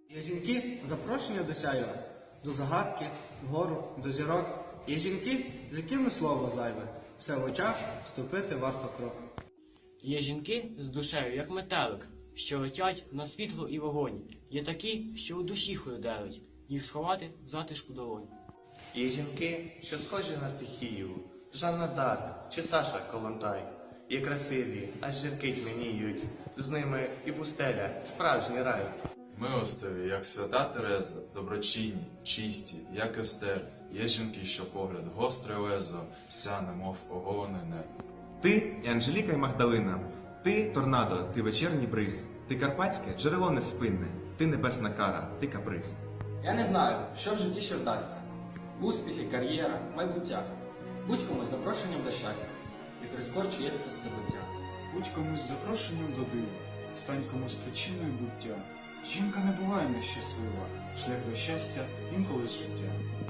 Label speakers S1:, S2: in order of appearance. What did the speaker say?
S1: Є жінки запрошення до сяйва, до загадки, вгору, до зірок. Є жінки, з якими слово зайве, все в очах вступити варто крок.
S2: Є жінки з душею, як метелик, що летять на світло і вогонь. Є такі, що у душі холоделить, їх сховати в затишку долонь.
S3: Є жінки, що схожі на стихію, Жанна Дарк чи Саша Колонтай. Є красиві, аж зірки тьмяніють, з ними і пустеля, справжній рай.
S4: Милостиві, як свята Тереза, доброчинні, чисті, як Естер. Є жінки, що погляд гостре лезо, вся немов оголене небо.
S5: Ти і Анжеліка і Магдалина, ти торнадо, ти вечірній бриз, ти карпатське джерело неспинне, ти небесна кара, ти каприз.
S6: Я не знаю, що в житті ще вдасться. Успіхи, кар'єра, майбуття. Будь комусь запрошенням до щастя, і прискорчує є серцебиття.
S7: Будь комусь запрошенням до дива, стань комусь причиною буття. Жінка не буває нещаслива, шлях до щастя інколи з життя.